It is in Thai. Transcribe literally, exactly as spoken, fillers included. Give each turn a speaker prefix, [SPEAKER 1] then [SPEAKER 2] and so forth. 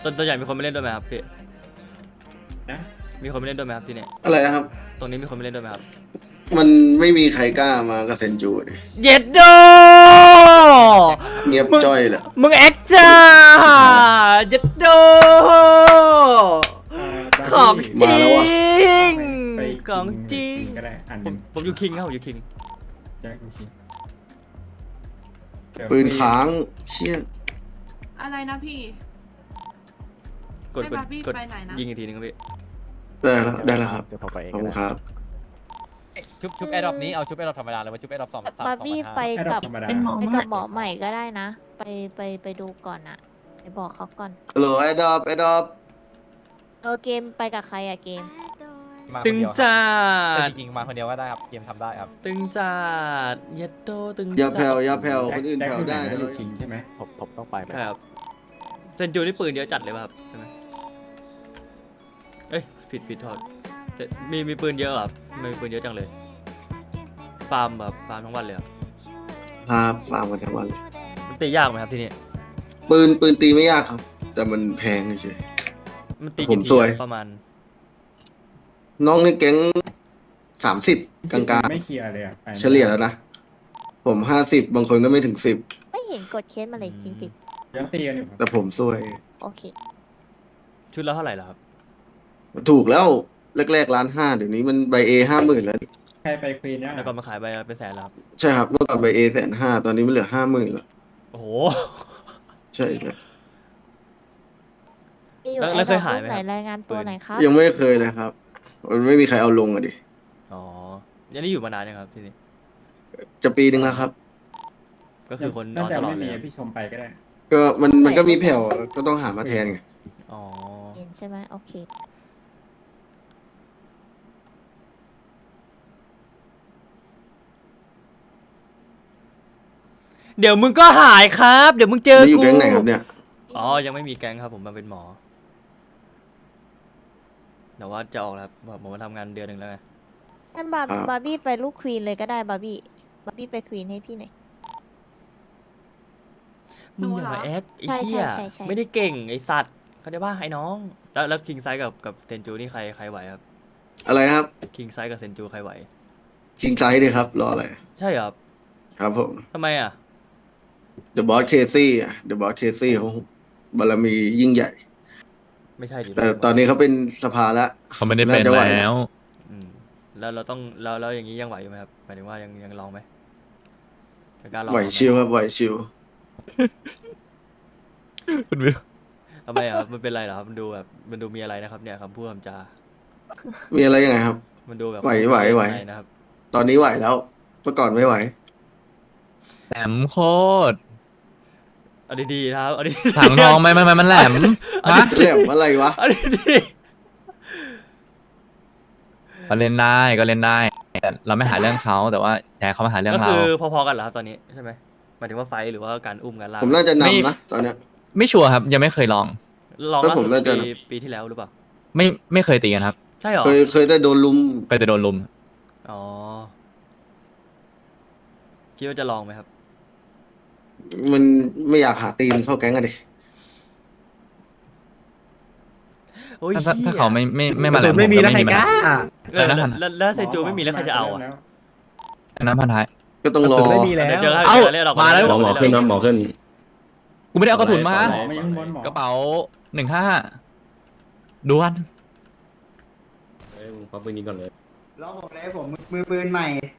[SPEAKER 1] ตัวตัวใหญ่มีคนไม่เล่นด้วยไหมครับพี่
[SPEAKER 2] นะ
[SPEAKER 1] มีคนไม่เล่นด้วยไหมครับที่เนี่ย
[SPEAKER 3] อะไรนะครับ
[SPEAKER 1] ตรงนี้มีคนไม่เล่นด้วยไหมครับ
[SPEAKER 3] มันไม่มีใครกล้ามากับเซนจูดิ
[SPEAKER 1] เย็ดโด
[SPEAKER 3] เงียบจ้อยแหละ
[SPEAKER 1] มึงแอคจ้าเย็ดโดของจริง
[SPEAKER 2] ไป
[SPEAKER 1] ของจริง
[SPEAKER 2] ก็ได้อ่าน
[SPEAKER 1] ผมผมอยู่คิงครับผมอยู่คิง
[SPEAKER 2] แจ็คคิง
[SPEAKER 3] ปืนค้างเชี่ย
[SPEAKER 4] อะไรนะพี่
[SPEAKER 1] กดกด
[SPEAKER 4] ให้บาร์บี้
[SPEAKER 1] กด
[SPEAKER 4] ไปไหนนะ
[SPEAKER 1] ยิงอีกทีนึงครับพี่
[SPEAKER 3] ได้แล้วได้แล้วครับ
[SPEAKER 5] เดี๋ยวผมไปเอง
[SPEAKER 3] ขอบ
[SPEAKER 5] ก็
[SPEAKER 3] คุณ
[SPEAKER 5] ได้
[SPEAKER 3] ครับ
[SPEAKER 6] ชุบชุบแอร์ดรอปนี้เอาชุบแอร์ดรอปธรรมดาเลยว่าชุบแอร์ดรอปสองสามสอง
[SPEAKER 7] บาร์บี้ไป
[SPEAKER 2] ให้ด
[SPEAKER 7] กั
[SPEAKER 2] อบ กธรรมดา
[SPEAKER 4] เป็นหมอ
[SPEAKER 7] ไปกับหมอใหม่ก็ได้นะ ไปไปไปดูก่อนอะไปบอกเขาก่อน
[SPEAKER 3] ฮัลโหลไอ้ดอบไอ้ดอบ
[SPEAKER 7] เออเกมไปกับใครอะเกม
[SPEAKER 6] มาคน
[SPEAKER 1] ตึง
[SPEAKER 6] เดียวครับ
[SPEAKER 1] จัด
[SPEAKER 6] จริงๆมาคนเดียวก็ได้ครับเกมทำได้ครับ
[SPEAKER 1] ตึงจัดเย็ดโดตึง
[SPEAKER 3] อย่า
[SPEAKER 1] จั
[SPEAKER 3] แผ่ว
[SPEAKER 1] ด
[SPEAKER 3] อย่าแผ่วคนอื่น
[SPEAKER 2] แจ็ค
[SPEAKER 3] แผ่วได้
[SPEAKER 2] แจ็
[SPEAKER 3] แต่
[SPEAKER 2] ค
[SPEAKER 3] เรา
[SPEAKER 2] ชิงใช่ไหม
[SPEAKER 5] ผมผมต้องไปไหม
[SPEAKER 1] ใช่ครับเซนจูนี่ปืนเยอะจัดเลยป่ะครับใช่ไหมเอ้ยผิดผิดโทษแต่มีมีปืนเยอะเหรอครับทำไมมีปืนเยอะจังเลยฟาร์มแบบฟาร์มทั้งวันเลยครับ
[SPEAKER 3] พาฟาร์มกันทั้งวันเลย
[SPEAKER 1] มันตียากไหมครับที่นี่
[SPEAKER 3] ปืนปืนตีไม่ยากครับ แต่มันแพงเฉย
[SPEAKER 1] มันตี
[SPEAKER 3] ผ
[SPEAKER 1] กี่
[SPEAKER 3] ม
[SPEAKER 1] ที
[SPEAKER 3] ซวย
[SPEAKER 1] ประมาณ
[SPEAKER 3] ๆน้องในแก๊งสามสิบกลาง
[SPEAKER 2] ไม่เคลียร์เลยอ่ะไป
[SPEAKER 3] ๆ เฉลี่ยแล้วนะ ผมห้าสิบบางคนก็ไม่ถึงสิบ
[SPEAKER 7] ไม่เห็นกดเคสมาเลยจริง
[SPEAKER 2] ยังตีกันอยู่ครับ
[SPEAKER 3] แต่ผมซวย
[SPEAKER 7] ๆโอเค
[SPEAKER 1] ชุดละเท่าไหร่ล่ะครับ
[SPEAKER 3] ถูกแล้วแรกๆล้านห้าเดี๋ยวนี้มันใบเอห้าหมื่นแล้ว
[SPEAKER 2] ใครไปควีนเนี่ย
[SPEAKER 1] แล้วก็มาขายใบละเป็นแสนแล้วครับ
[SPEAKER 3] ใช่ครับเมื่อก่อนใบเอแสนห้าตอนนี้มันเหลือห้าหมื่นแล้ว
[SPEAKER 1] โอ้โห
[SPEAKER 3] ใช่ใช่
[SPEAKER 7] ที่อยู่
[SPEAKER 1] แล้ว
[SPEAKER 7] ไอ้
[SPEAKER 1] แล้วเคย
[SPEAKER 7] ดอก
[SPEAKER 1] หาย
[SPEAKER 7] รู
[SPEAKER 1] ไหม
[SPEAKER 7] ป
[SPEAKER 1] ค
[SPEAKER 7] ไหน
[SPEAKER 1] รับ
[SPEAKER 7] รายงานตัว
[SPEAKER 1] ปืน
[SPEAKER 7] หน่อยครับ
[SPEAKER 3] ยังไม่เคยเลยครับ มันไม่มีใครเอาลงอะดิ
[SPEAKER 1] อ๋อยันนี่อยู่มานานยังครับที่นี่
[SPEAKER 3] จะปีหนึ่งแล้วครับ
[SPEAKER 1] ก็คือคนน
[SPEAKER 2] น่า
[SPEAKER 1] อน
[SPEAKER 2] จะ
[SPEAKER 1] ตลอ
[SPEAKER 2] ไม่
[SPEAKER 1] ดเล
[SPEAKER 2] มี
[SPEAKER 1] ยครับ
[SPEAKER 2] พี่ชมไปก็ได้
[SPEAKER 3] ก็มันมันก็มีแผ่วก็ต้องหามาแทนไง
[SPEAKER 1] อ๋อ
[SPEAKER 7] เห็นใช่ไหมโอเค
[SPEAKER 1] เดี๋ยวมึงก็หายครับ เดี๋ยวมึงเจอ
[SPEAKER 3] แล้วอยู่
[SPEAKER 1] กู
[SPEAKER 3] แก๊งไหนครับเนี่ย
[SPEAKER 1] อ๋อยังไม่มีแก๊งครับผมมาเป็นหมอแต่ว่าจะออกแล้วครับผมมาทำงานเดือนหนึ่งแล้วไง
[SPEAKER 7] งั้นบาร์
[SPEAKER 3] ครับ
[SPEAKER 7] บาร์บี้ไปลูกควีนเลยก็ได้บาร์บี้บาร์บี้ไปควีนให้พี่หน่อย
[SPEAKER 1] มึงอย่ามาแอคไอ้
[SPEAKER 7] ใช่
[SPEAKER 1] เหี้ย
[SPEAKER 7] ใช่ใช่ใช่
[SPEAKER 1] ไม่ได้เก่งไอ้สัตว์เขาได้ว่าไอ้น้อง แล้วแล้วคิงไซกับกับเซนจูนี่ใครใครไหวครับ
[SPEAKER 3] อะไรนะครับ
[SPEAKER 1] คิงไซกับเซนจูใครไหว
[SPEAKER 3] ชิงไซส์เลยครับ รออะไร
[SPEAKER 1] ใช่เหรอครับ
[SPEAKER 3] ครับผม
[SPEAKER 1] ทำไมอ่ะ
[SPEAKER 3] The Boss Casey อ่ะ The Boss Casey เขาบารมียิ่งใหญ่
[SPEAKER 1] ไม่ใช่ดิ
[SPEAKER 3] แต่ตอนนี้เขาเป็นสภาแล้ว
[SPEAKER 8] เขาไม่ได้เป็น
[SPEAKER 3] จะไห
[SPEAKER 8] แล้ว
[SPEAKER 1] อืมแล้วเราต้องแล้วแล้วอย่างนี้ยังไหวอยู่ไหมครับหมายถึงว่ายังยังลองไหมยังกล้าลอง
[SPEAKER 3] ไหว
[SPEAKER 1] ม
[SPEAKER 3] ชิวครับไหวชิว
[SPEAKER 8] คุณวิว
[SPEAKER 1] ทำไมอ่ะครับมันเป็นไรเหรอครับมันดูแบบมันดูมีอะไรนะครับเนี่ยคำพูดคำจา
[SPEAKER 3] มีอะไรยังไงครับ
[SPEAKER 1] มันดูแบบ
[SPEAKER 3] ไหวไหวไหว
[SPEAKER 1] อะไรนะครับ
[SPEAKER 3] ตอนนี้ไหวแล้ว เมื่อก่อนไม่ไหว
[SPEAKER 8] แหลมโคตร
[SPEAKER 1] เอาดีๆนะครับเอาดี
[SPEAKER 8] ถังทองไม่ไม่ไม่มันแหลมฮะ
[SPEAKER 3] เรียกอะไรวะ
[SPEAKER 1] เอาดี
[SPEAKER 8] ก็เล่นได้ก็เล่นได้แต่เราไม่หาเรื่องเขาแต่ว่าอยากให้เขามาหาเรื่
[SPEAKER 1] ๆ
[SPEAKER 8] อง
[SPEAKER 1] ก็
[SPEAKER 8] เรา
[SPEAKER 1] คือพอๆกันเหรอครับตอนนี้ใช่ไหมหมายถึงว่าไฟท์หรือว่าการอุ้มการลาก
[SPEAKER 3] ผมน่าจะ
[SPEAKER 8] ไม่
[SPEAKER 3] นำนะ ตอนเนี้ย
[SPEAKER 8] ไม่ชัวร์ครับยังไม่เคยลอง
[SPEAKER 1] ลอง
[SPEAKER 3] แล้ว
[SPEAKER 1] ล่า
[SPEAKER 3] ผ
[SPEAKER 1] สุ
[SPEAKER 3] ม
[SPEAKER 1] ด
[SPEAKER 3] น่าจะ
[SPEAKER 1] ปีปีที่แล้วหรือเปล่า
[SPEAKER 8] ไม่ไม่เคยตีกันครับ
[SPEAKER 1] ใช่เหรอ
[SPEAKER 3] เคยเคยได้โดนลุม
[SPEAKER 8] เคยแต่โดนลุม
[SPEAKER 1] อ๋อคิดว่าจะลองไหมครับ
[SPEAKER 3] มันไม่อยากหาตีนเข้าแก๊งอะดิ
[SPEAKER 1] โอ้ย
[SPEAKER 8] ถ้าถ้า
[SPEAKER 1] หี้ย
[SPEAKER 8] ถ้าเขาไม่ไม่ไม่มาแหลม
[SPEAKER 5] ไม่มี
[SPEAKER 8] ผ
[SPEAKER 5] แล้วใคร
[SPEAKER 8] ปัญ
[SPEAKER 5] กล้า
[SPEAKER 8] หา
[SPEAKER 1] เออ
[SPEAKER 8] อะไรนะ
[SPEAKER 1] แล้วแล้วแล้วเซนจูไม่มีแล้วใครจะเอาอ่ะ
[SPEAKER 8] อันนั้นพันท้าย
[SPEAKER 3] ก็ต้องรอ
[SPEAKER 5] ไม่มีแล้ว
[SPEAKER 1] เดี๋ยวเจอกัน
[SPEAKER 8] เอ้า
[SPEAKER 1] เรียกเราก่อน
[SPEAKER 8] มาแล้ว
[SPEAKER 1] เรียกเรา
[SPEAKER 9] หมอ
[SPEAKER 1] ก่
[SPEAKER 9] ขึ้นนะหมอขึ้น
[SPEAKER 8] กูไม่ได้เอากระสุนมา
[SPEAKER 2] หมอไม่ยังบนหมอก
[SPEAKER 8] ระเป๋าหนึ่งห้าด่วน
[SPEAKER 9] เอ้ยมึงควักปืนนี้ก่อนเลย
[SPEAKER 10] รอผมเลยผมมือปืนใหม่